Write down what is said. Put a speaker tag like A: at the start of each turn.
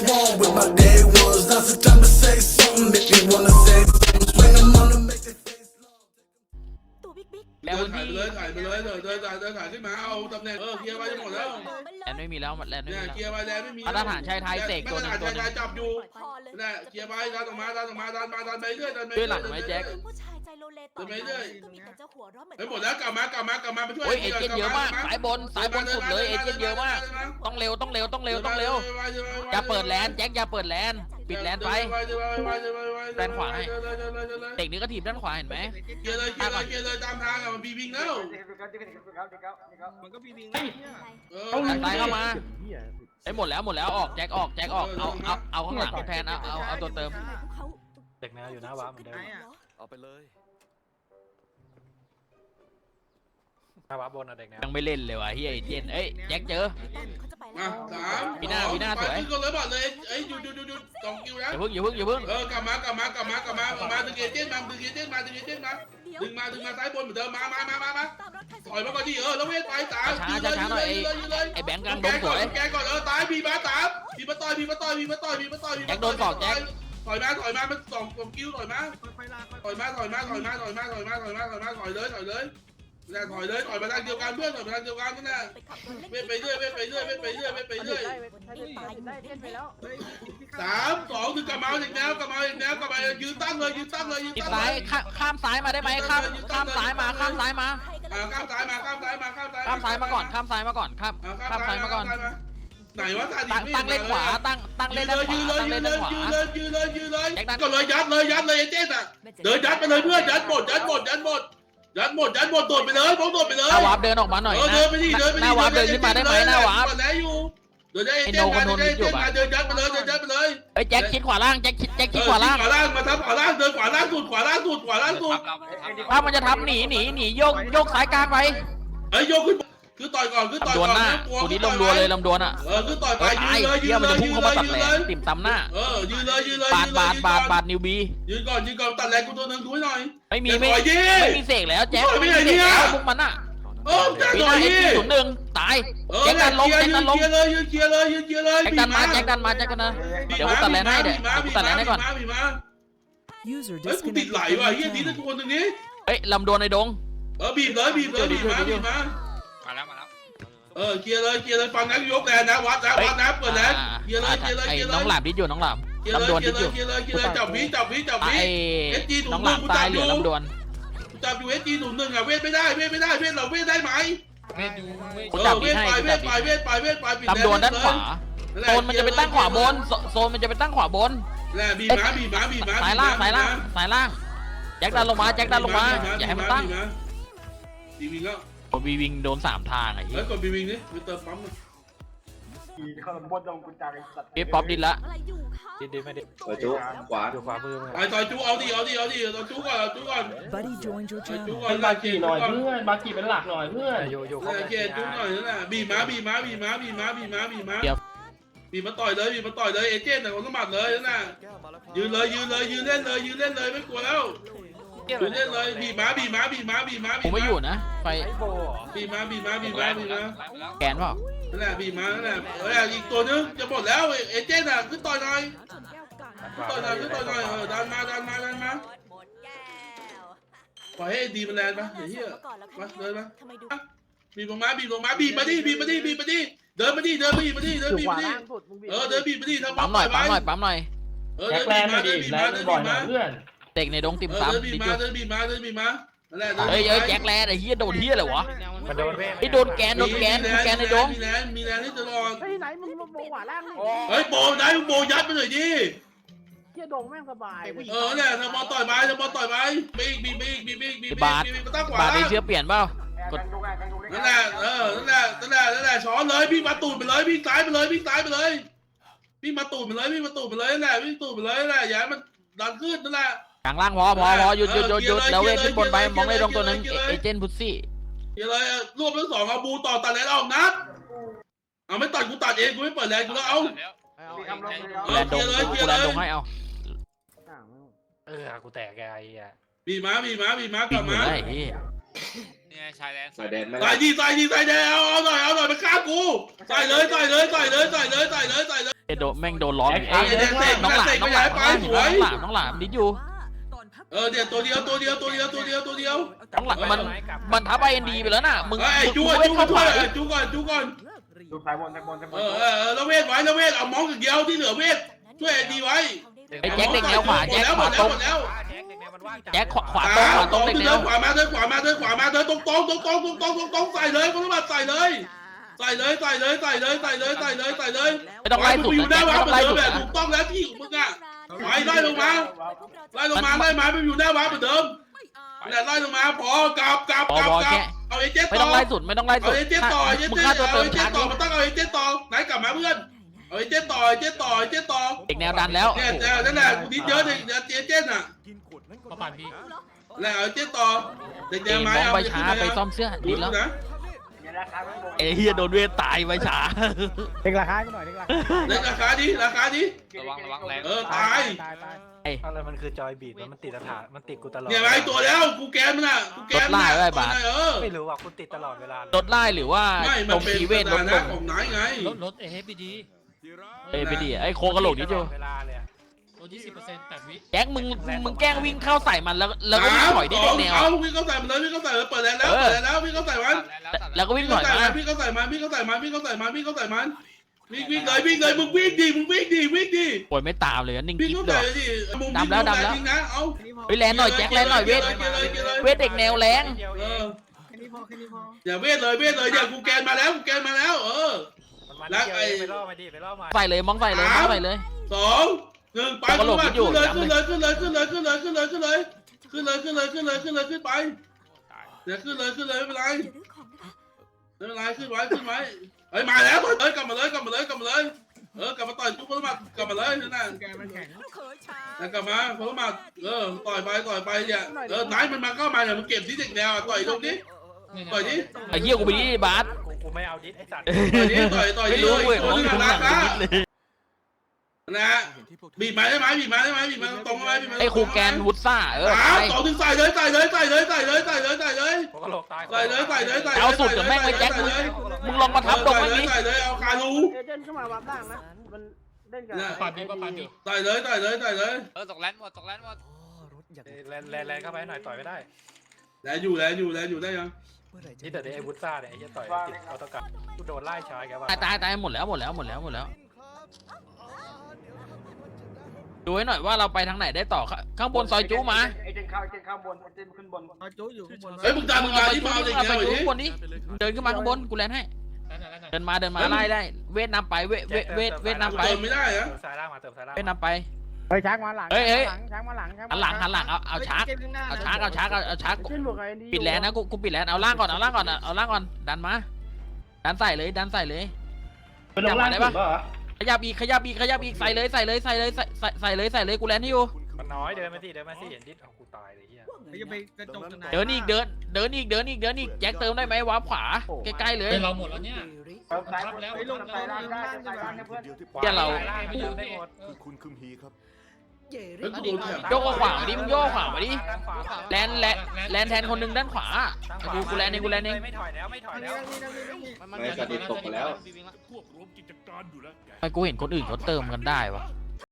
A: wrong with my day ones. Now's the time to say something, make me wanna say something. When I'm on to make their face long.
B: ตัวบิ๊กบิ๊ก
C: เดินถ่ายไปเลยถ่ายไปเลยเดินถ่ายขึ้นมาเอาตำแหน่งเคลียร์ไปจะหมดแล้ว
D: แลนไม่มีแล้วแลนไม่
C: เนี่ย
D: มี
C: เคลียร์ไปแล้วไม่มี
D: มาตรฐานชายไทยเสกตัวหนึ่ง
C: มาตรฐานชายไทยจับอยู่
B: พอเลย
C: เนี่ยเคลียร์ไปดันออกมาดันไปเรื่อยดันไป
D: ด้วยหลังไหมแจ็ค
B: ผู้ชายใจโลเลต่อไปก็มีแต่จะหัวเราะเหมือน
C: ไปหมดแล้วกลับมามาช่วย
D: โอ้ยเอเจนต์เยอะมากสายบนสุดเลยเอเจนต์เยอะมากต้องเร็วอย่าเปิดแลนแจ็คอย่าเปิดแลนปิดแลนไปด้านขวาให้เด็กนี้ก็ถีบด้านขวาเห็นไหม
C: เคลียร์เลยตามทางมันบีวิงแล้ว
E: มันก็มีวิง
D: ซ้ายเข้ามาไอ้หมดแล้วออกแจ็คออกเอาข้างหลังแทนเอาตัวเติม
F: เด็กแนวอยู่หน้าวาร์ปเหมือนเดิม
E: เอาไปเลย
F: หน้าวาร์ปบนอะเด็กแนว
D: ยังไม่เล่นเลยวะเฮียเอเจนต์เอ้ยแจ็คเจอ
C: มา3
D: วีน่าสวย
C: ขึ้นก่อนเลยบอลเลยหยุด2 คิวนะ
D: อย่าเพิ่ง
C: กลับมาดึงเอเจนต์มาดึงซ้ายบนเหมือนเดิมมาถอยมาก่อนดิแล้วเวทไป3ยืนเลย
D: ไอ้แบงค์กลางดงสวย
C: แกก่อนตายบีมาต่อย
D: แจ็คโดนสอกแจ็ค
C: ถอยมามัน2 คิวถอยมาถอยเลยถอยมาทางเดียวกันเพื่อนถอยมาทางเดียวกันนั่นแหละเวทไปเรื่อย3 2 1กลับมาอีกแนวยืนตั้งเลย
D: อีกซ้ายข้ามซ้ายมาได้ไหมข้ามซ้ายมาข้ามซ้ายมาก่อน
C: ไหนวะ
D: ตั้งเล่นขวาตั้งเล่นด้านขวา
C: ยืนเลยก็เลยยัดเลยเอเจนต์อ่ะเดินยัดไปเลยเพื่อนยัดหมดโดดไปเลยโดดไปเลย
D: หน้าวาร์ปเดินออกมาหน่อยนะหน้าวาร์ปเดินขึ้นมาได้ไหมหน้าวาร์ป
C: เดินเอเจนต์มาเดินยัดไปเลย
D: เฮ้ยแจ็คคิดขวาล่างแจ็คคิดขวาล่าง
C: มาทับขวาล่างเดินขวาล่างสุด
D: ถ้ามันจะทำหนีโยกสายกลางไป
C: เฮ้ยโยกขึ้นคือต่อยก่อน
D: ลำดวนหน้ากูนี้ลำดวนเลยลำดวนอ่ะ
C: คือต่อยไปยืนเลย
D: มันจะพุ่งเข้ามาตัดแหลมติ่มตำหน้า
C: ยืนเลย
D: บาดนิวบี
C: ยืนก่อนตัดแหลมกูตัวนึงดูให้หน่อย
D: ไม่มีเสกแล้วแจ็คไม่มีเสกแล้วพวกมันอ่ะ
C: แจ็ค
D: วีน่าเอจี01ตายแจ็คดันลง
C: เคลียร์เลย
D: แจ็คดันมาแจ็คกันนะเดี๋ยวกูตัดแลนให้เดี๋ยวกูตัดแลนให้ก่อน
C: เฮ้ยกูติดไหลว่ะเฮียดีนะทุกคนตรงนี้
D: เฮ้ยลำดวนในดง
C: บีบมา
E: มาแล้ว
C: เคลียร์เลยฟังนักยกแรงนะวัดนะเปิดแล้วเคลียร์เลย
D: ไอ้น้องหลามดิอยู่น้องหลามลำดวนดิอยู่
C: เคลียร์เลยจับวิ
D: ไอ้น้องหลามตายเหลือลำดวน
C: จับอยู่SG01อ่ะเวทไม่ได้เวทเราเวทได้ไหม
D: กูจับดิให้
C: เวทไป
D: ลำดวนด้านขวาโซนมันจะเป็นตั้งขวาบนโซนมันจะเป็นตั้งขวาบน
C: แหละบีมา
D: สายล่างแจ็คดันลงมาอย่าให้มันตั้ง
C: บีวิงแล้ว
D: บีวิงโดน3ทางไอ้เหี้
C: แล้
D: ยว
C: กดบีวิงนี่ไปเติมปั๊ม
D: พี่ป๊อปดินละ
F: ดิไม่ดิ
G: ต่อยจุขวา
F: อยู่ขวามือ
C: ไอ้ต่อยจูเอาดิต่อยจูก่อน
H: Buddy joined your
C: จู
H: channel.
C: ก่อน
I: บากีหน่อยเพื่อนบากีเป็นหลักหน่อยเพื่อน
F: อยู่
C: โอเคจูหน่อยนั่นแหละบีมาต่อยเลยเอเจนต์แต่คนสมัครเลยนั่นแหละยืนเล่นเลยไม่กลัวแล้วยืนเล่นเลยบีมา
D: ผมไม่อยู่นะไฟ
C: บีมา
D: แกนเปล่า
C: นั่นแหละบีมานั่นแหละอีกตัวนึงจะหมดแล้วเอเจนต์อ่ะขึ้นต่อยหน่อยดันมาปล่อยให้ดีมันแรงปะเฮียมาเดินมาบีบลงมาบีมาดิเดินมาดิเดินบีมาดิเดินบีมาดิทำ
D: ปั๊มหน่อย
I: แจ็คแลนด์ไม่ดีแลนด์บ่อยหน่อยเพื่อน
D: เด็กในดงติ่ม
C: เดิ
D: ซ้ำ
C: นบีมานั่นแหละ
D: เฮ้ยแจ็คแลนไอ้เหี้ยโดนเหี้ยอะไรวะ
F: มันโดนเว้ย
D: ไอ้โดนแกนในดง
C: มีแรงที่ตลอด
I: เฮ้ยไหนมึงโบขวาล่างนี่
C: เฮ้ยโบได้โบยัดไปหน่อยดิ
I: เที่ยโดงแม่งสบาย
C: เนี่ยทำบอลต่อยไปบีมาตั้งขวา
D: บาดในเชื้อเปลี่ยนเปล่า
C: นั่นแหละช้อนเลยพี่มาตูดไปเลยพี่ซ้ายไปเลยพี่มาตูดไปเลยนั่นแหละวิ่งตูดไปเลยนั่นแหละอย่าให้มันดันขึ้นนั่นแหละ
D: กลางล่างพอหยุดแล้วเวทขึ้นบนไปมองในดงตัวนึงเอเจนต์พุซซี่
C: อย่าเลยรวบทั้ง2เอาบูต่อตัดแรงออกนัดเอาไม่ตัดกูตัดเองกูไม่เปิดแรงกูแล้วเอา
D: แลนดงกูแลนดงให้เอา
F: กูแตกแกไอ้อ่ะ
C: บีมากลับมา
D: ได้เฮ้ย
E: นี่ชายแดน
G: สายแดนไม่
C: ใส่ดีแดงเอาหน่อยมาฆ่ากูใส่เลย
D: เอโดนแม่งโดนล้อม
C: เด็กเสก
D: น้องหลาม
C: เสก
D: น้
C: ก็
D: องห
C: ย้า
D: ลาย ม
C: ไปสวย
D: น้องหลามดิดอยู่
C: เนี่ยตัวเดียว
D: น้องหลามมันทับไอเอ็นดีไปแล้วน่ะมึง
C: ไอ้จู
D: มึง
C: ก่อน
D: ไม่เข้าขวาดิ
C: จูก่อน
I: ดูสายบนสายบนสายบน
C: แล้วเวทไว้แล้วเวทเอามองอย่างเดียวที่เหลือเวทช่วยไอ้ดีไว้
D: ไอ้แจ็คเด็กแนวขวาแจ็คขวาตรง
C: หมดแล้ว
D: แจ็คขวาตรงเด็กแนว
C: ขวามาเดินตรงใส่เลยคนละบาทใส่เลยใส่เลย
D: ไม่ต้องไล่สุด
C: อยู่
D: นะ
C: หน้า
D: แจ็ค
C: วา
D: ไม่
C: ร์ป
D: ต้อง
C: เหมื
D: ไล่
C: อนเดิ
D: สุ
C: ม
D: ด
C: แบบถูกต้องแล้วที่ของมึงอ่ะไล่ลงมาไปอยู่หน้าวาร์ปเหมือนเดิมไล่ลงมาพอกลับเอาเอเจน
D: ไม่
C: ต่
D: ต้
C: อ
D: องไล่สุดไม่ต้องไล่สุ
C: เอา
D: ด
C: เอเจนต่อ
D: มึงฆ่าตัวเติมช้า
C: ต่
D: ดิ
C: อมันต้องเอาเอเจนต่อไหนกลับมาเพื่อนเอาเอเจนต่อ
D: เด็กแนวดันแล้ว
C: เนี่ยนั่นแหละกูนิดเยอะเลยเอเจนอ่ะ
E: เขาปั่นพี่
C: แล้วเอาเอเจนต่อเด็ก
D: เอ็ม
C: ไม้
D: มอง
C: เอา
D: ไปช้าไปซ่อมเสื้อดิดแล้ว
C: นะ
D: เอเฮียโดนเวทตายไปช้า
G: เด็กราคาให้กูหน่อยเด็กราคา
C: เด็กราคาดี
E: ระวังแรง
C: ตาย
F: อะไรมันคือจอยบีดมันติดฐานมันติดกูตลอด
C: เนี่ยไอ้ตัวแล้วกูแกนมันอ่ะกูแกน
F: ไม่รู้ว่ากูติดตลอดเวลา
D: ลดไล่หรือว่า
C: ไม่
D: ต
C: มัน
D: รง
C: เป็น
D: คีเวทล
C: ส
D: ด
C: ถา
D: ล
C: นะ
D: ง
C: ของไหนไง
E: รถเอฟพีดี
D: เอ้ยไปดิไอ้โคกระโหลกนิดเดียว
F: เวลาเลย
E: รถ20%8 วิ
D: แจ็คมึงแกล้งวิ่งเข้าใส่มันแล้วก็วิ่งถอยดิเด็กแนว
C: เอาวิ่งเข้าใส่มันเลยวิ่งเข้าใส่เปิดแล้ววิ่งเข้าใส่มัน
D: แล้วก็วิ่งถอยมา
C: วิ่งเข้าใส่มันวิ่งเลยมึงวิ่งดี
D: โอ้ยไม่ตามเลยนิ่ง
C: วิ่ง
D: กิ๊บ
C: เข้า
D: เล
C: ใส่
D: ย
C: ดิมุมจริงนะเอา
D: เฮ้ยแลนหน่อยแจ็คแลนหน่อยเวทเด็กแนวแรง
C: อย่าเวทเลยอย่ากูแกนมาแล้ว
F: ไปล่อมาดิไปล่อมา
D: ใส่เลยมองใส่เลยเลย
C: 2 1ไปขึ้นเลยขึ้นไปเนี่ยขึ้นเลยไม่เป็นไรขึ้นไว้เฮ้ยมาแล้วเลยกลับมาเลยกลับมาต่อยทุกคนมากลับมาเลยนั่นน่ะกลับมาคนละมาต่อยไปเนี่ยไหนมันมาเข้ามาเนี่ยมันเก็บที่เด็กแนวต่อยตรงนี้ต่อยนี้
D: ไอ้เหี้ยกูไปดิบาส
F: กูไม่เอาดิสไอ้สัตว์
C: ต่อย
D: ไม่
C: นี้
D: รู้เว้ย
C: ตัว
D: มอง
C: นี้
D: ถึงห
C: นะ
D: ลังดิดเลย
C: นะบีบมาได้ไหมตรงไหม
D: ไอ้ครูแกนวุฒซ่า
C: ต่อถึงใส่เลย
F: โคกระโหลกตาย
D: เอาสุดกับแม่งไว้แจ็คมึงลองมาทับตรงนี้
C: ใส่เลยเอาคารู
G: เอเจนต์เข้ามาวับล่างนะมันเล่นกัน
E: ปั่นพี่ก็ปั่นพี่
C: ใส่เลย
E: ตกแลนหมด
F: แรงเข้าไปหน่อยต่อยไม่ได้
C: แล้วอยู่ได้ยัง
F: นี่แต่ไอ้วุฒซ่าเนี่ยไอ้ต่อยติดเอาตะกัดกูโดนไล่ชายแกว่า
D: ตายหมดแล้วดูให้หน่อยว่าเราไปทางไหนได้ต่อข้างบนซอยจูมา
I: ไอ้เจนเข้าบนไอ้เจนขึ้นบน
G: จูอยู่ข้างบน
C: เฮ้ยมึงตามที่มาเด็ก
D: ไป
C: แนว
D: จู
C: ดิ
D: ข้างบนดิเดินขึ้นมาข้างบนกูแลนให้เดินมาไล่ได้เวทนำไปเวทนำไป
C: เติมไม่ได้อะ
F: เติมสายล่างมาเติมสายล่าง
D: เวทนำไป
G: เฮ้ยช้างมาหลังช้างมาหลัง
D: หันหลังเอาชักปิดแลนนะกูปิดแลนเอาล่างก่อนดันมาดันใส่เลย
I: เป็นลงล่างสุดป่ะ
D: ขยับอีกใส่เลยกูแลนให้อยู่
F: มันน้อยเดินมาสิเห็นดิสเอากูตายเลยเฮีย
G: จะไปกระจกตรงไหน
D: เดินอีกแจ็คเติมได้ไหมวาร์ปขวาใกล้ๆเลย
E: เป็นเราหมดแล้วเนี่ย
I: เติมสายบนไปลงสายล่างได้สายล่างนะเพื่อน
D: เดี๋ยวเรา
F: ไม่ยืนได้หมด
H: คุณคุมฮีครับ
C: เฮ้ยกูโดนแถบ
D: โยกขวามาดิมึงโยกขวามาดิแลนแทนคนนึงด้านขวากูแลนเอง
F: ไม่ถอยแล้ว
H: ไม่กระดิกตกไปแล้ว
D: ทำไมกูเห็นคนอื่นเขาเติมกันได้วะ